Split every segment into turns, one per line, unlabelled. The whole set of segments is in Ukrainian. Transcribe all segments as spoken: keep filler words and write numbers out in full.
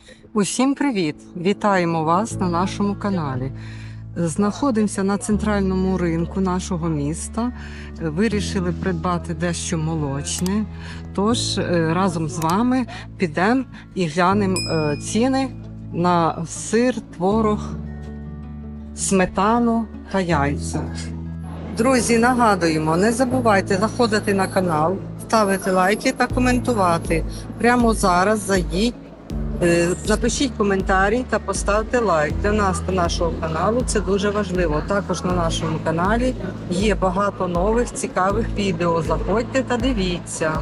Усім привіт! Вітаємо вас на нашому каналі. Знаходимося на центральному ринку нашого міста. Вирішили придбати дещо молочне. Тож разом з вами підемо і глянемо ціни на сир, творог, сметану та яйця. Друзі, нагадуємо, не забувайте заходити на канал, ставити лайки та коментувати. Прямо зараз зайдіть. Напишіть коментарі та поставте лайк. Для нас та нашого каналу це дуже важливо. Також на нашому каналі є багато нових цікавих відео. Заходьте та дивіться.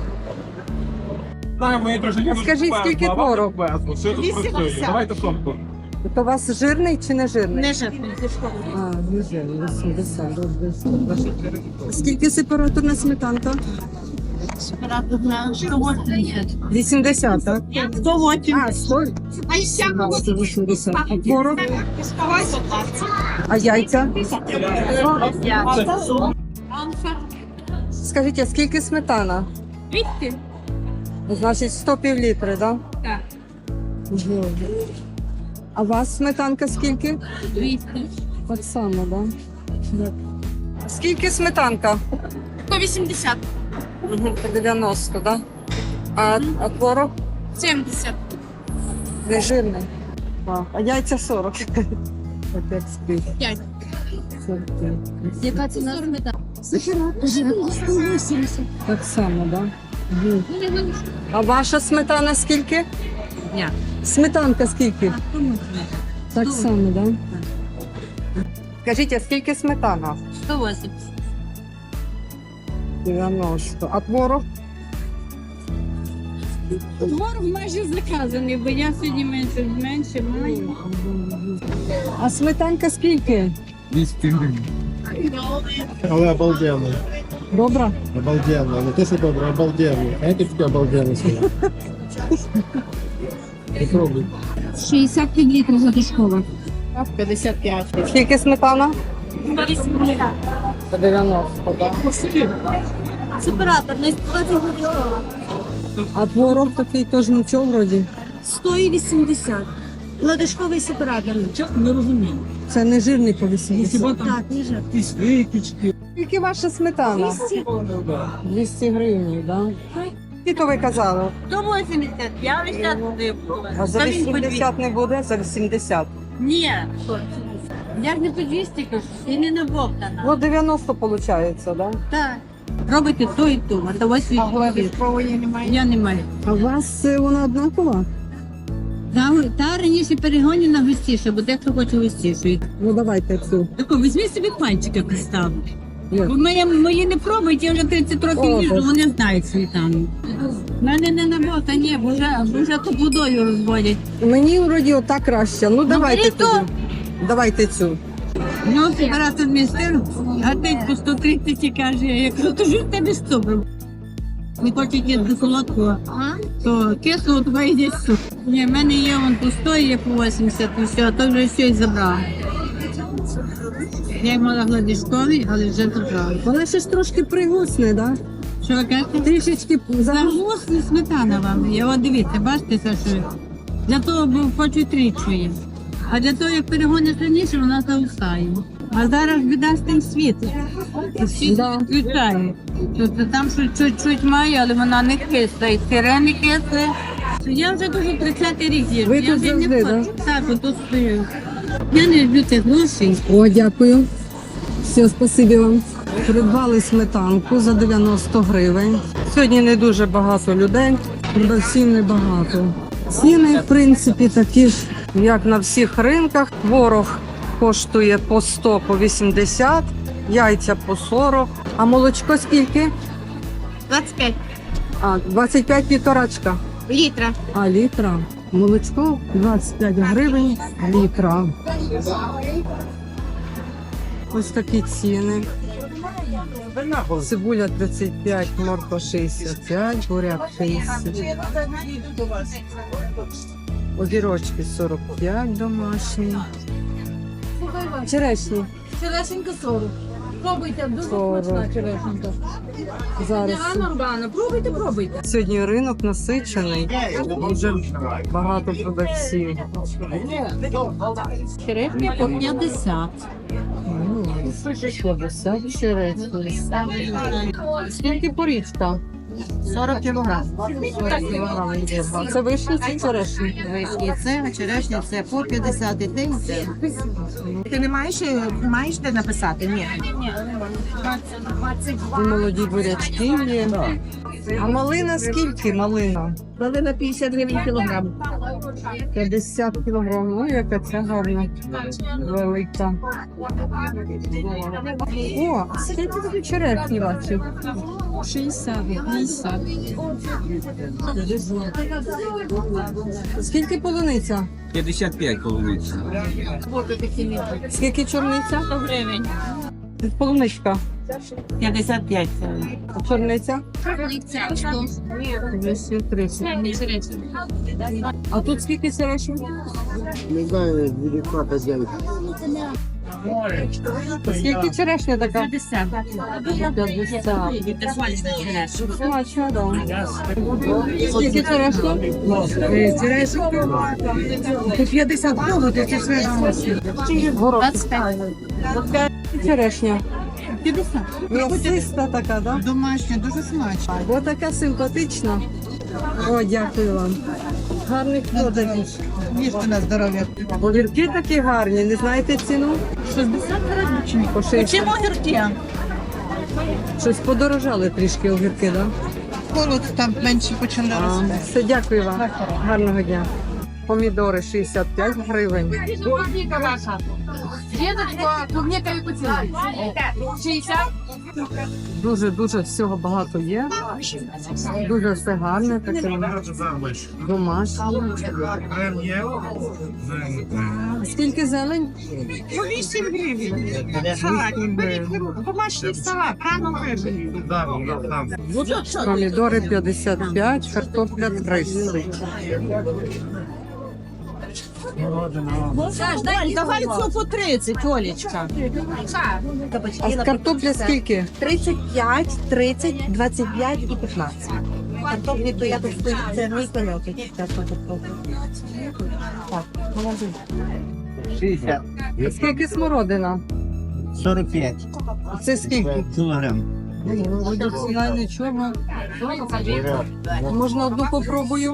Скажіть, скільки творог?
вісімдесят.
Давайте сотку. То у вас жирний чи не жирний?
Не жирний.
А, не жирний, вісімдесят. Скільки сепараторна сметанка?
сто вісімдесят.
вісімдесят, так?
сто вісімдесят.
А, сто?
А ще
вісімдесят. А творог? А яйця? Скажіть, а скільки сметана?
двісті.
Значить, сто півлітри, так?
Так.
Угу. А у вас сметанка скільки?
двісті.
Так само, так? Да? Скільки сметанка?
сто вісімдесят.
Угу, по дев'яносто, так? А, а творог?
сімдесят.
Не жирний. А, а яйця сорок. Опять спить.
п'ять.
сорок п'ять.
Яка ціна сметана? сто вісімдесят.
Так само, так? Да? Угу. А ваша сметана скільки?
Ні.
Сметанка скільки? Так само, так? Да? Скажіть, а скільки сметана?
сто вісімдесят.
дев'яносто. А творог?
Творог майже заказаний, бо я сьогодні менше, менше маю.
А сметанка скільки?
двісті гривень. Але обалденно.
Добра?
Обалденно. Не те, що добре, обалденно. А это таке обалденно сказав. Попробуй.
шістдесят літрів затишкова. п'ятдесят п'ять.
Скільки сметана?
сто вісімдесят.
По дев'яносто, так?
Сепаратор, не сто
А творог такий теж нічого вроді?
сто вісімдесят. Ладошковий сепаратор.
Не розумію.
Це не жирний по вісімдесят.
Так, не жар.
Якісь випічки.
Скільки ваша сметана? двісті гривень, так? Скільки ви казали?
сто вісімдесят. Я весь час не була.
А за вісімдесят не буде? За вісімдесят.
Ні. Я ж не по двісті кажу, і не набовтана.
Ну, дев'яносто виходить, так? Да?
Так. Робите то і то, а то ось
А глибокової
немає. Я не маю.
А у вас е, вона однакова?
Та, та раніше перегонена густіше, бо дехто хоче густіше.
Ну, давайте цю.
Тако, візьми собі пальчика представ.
Є.
Бо мої, мої не пробують, я вже тридцять років
О,
їжджу,
Боже.
вони знають сметану. У мене не набота, ні, бо вже, бо вже то водою розводять.
Мені вроді отак краще. Ну, давайте
беріть
тоді.
то.
Давайте цю.
Ну, сепаратор містер, гатить по сто тридцять і каже, я кажу, то ж в тебе сто брав. Не хочуть їсти солодкого, то кисло, то вийде сто. Ні, в мене є вон по сто, є по вісімдесят, і все, а то вже все і забрав. Я й мала гладишковий, але вже забрала.
Вона ще ж трошки пригусне, так?
Що ви кажете?
Трішечки
Загусне сметана вам. Я от дивіться, бачите, це що для того, бо хочу трічує. А для того, як перегониш раніше, вона загустає. А зараз біда з тим світом. Всі
Да.
відключають. Тобто там щось чуть-чуть має, але вона не кисла. І сире не кисле. Я вже дуже тридцятий рік їжджу.
Ви
Я
тут
вже не
завжди,
хочу. Так, отут стою. Я не люблю цих грошей.
О, дякую. Все, спасибі вам. Придбали сметанку за дев'яносто гривень. Сьогодні не дуже багато людей, всім небагато. Ціни, в принципі, такі ж, як на всіх ринках. Творог коштує по сто, по вісімдесят, яйця по сорок. А молочко скільки?
двадцять п'ять
А, двадцять п'ять півторачка.
літра.
А, літра. Молочко двадцять п'ять гривень літра. Ось такі ціни. Цибуля тридцять п'ять, морква шістдесят п'ять, буряк шістдесят. Огірочки сорок п'ять домашні. Черешні
Черешенька сорок. Пробуйте, дуже
Сорок.
смачна черешенька.
Зараз.
Урбана, пробуйте, пробуйте.
Сьогодні ринок насичений, дуже багато продавців.
Черешня по п'ятдесят.
п'ятдесят черешні. Скільки порічка?
сорок кілограм.
Це вишні чи черешні?
Вишні це, черешня це по п'ятдесят і те, і це.
Ти не маєш, е, маєш де написати? Ні.
І молоді бурячки є. А малина скільки малина?
Малина п'ятдесят гривень кілограм.
п'ятдесят кілограм. Ну, яка ця гарна. Велика. О, скільки тобі черешні бачив?
шістдесят, п'ятдесят.
Скільки полуниця?
п'ятдесят п'ять полуниця.
Скільки чорниця?
сто гривень.
Полуничка.
п'ятдесят п'ять.
А чорниця?
сто.
двісті тридцять. А тут скільки черешні?
Не знаю, девятьсот девять.
Скільки черешня така?
п'ятдесят.
п'ятдесят. Смачно, да. Скільки черешня?
п'ятдесят кого ти це свежо?
Горох. Черешня.
п'ятдесят.
М'ясиста така, да?
Домашня, дуже смачно.
Бо така симпатична. О, дякую вам. Гарних продажів.
Їжте на здоров'я.
Огірки такі гарні, не знаєте ціну?
шістдесят гривень.
По шість.
Чим огірки?
Щось подорожали трішки огірки, да?
Холод там менше почали
А,
рости.
все, дякую вам. Гарного дня. Помідори шістдесят п'ять гривень.
Клубника ваша. Дедочка, клубника яку ціну? шістдесят.
Дуже-дуже всього багато є. Дуже все гарне, таке домашнє. Скільки зелень?
По вісім гривень. Салат. Беріть домашній салат, рано виберіть.
Помідори п'ятдесят п'ять, картопля тридцять.
Давай цю по тридцять, Олечка.
А картопля скільки?
тридцять п'ять, тридцять, двадцять п'ять і п'ятнадцять. Картоплі, то я тут стою, це мій коньок. який я тут картоплю. Так, молодець.
шестьдесят.
Скільки смородина?
сорок пять.
Це скільки?
Килограмм.
Вроді ціна нічого. Можна одну попробую?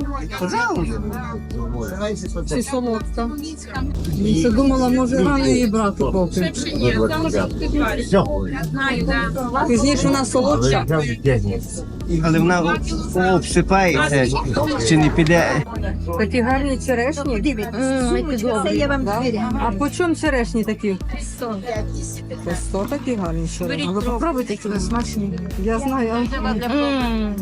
Чи солодка? Я думала, може рано її брати поки.
Все.
Пізніше вона солодша.
Але вона обсипається, чи не піде.
Такі гарні черешні.
Це я вам
Да?
довіряю.
А по чому черешні такі? По сто такі гарні черешні.
Ви попробуйте, які вони смачні.
Я знаю, а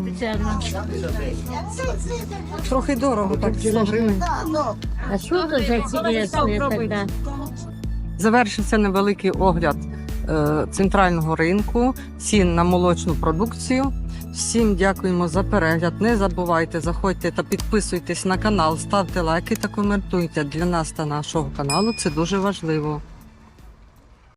трохи дорого, так сто гривень.
А що це за цілесне тоді?
Завершився невеликий огляд е, центрального ринку, цін на молочну продукцію. Всім дякуємо за перегляд. Не забувайте, заходьте та підписуйтесь на канал, ставте лайки та коментуйте. Для нас та нашого каналу це дуже важливо.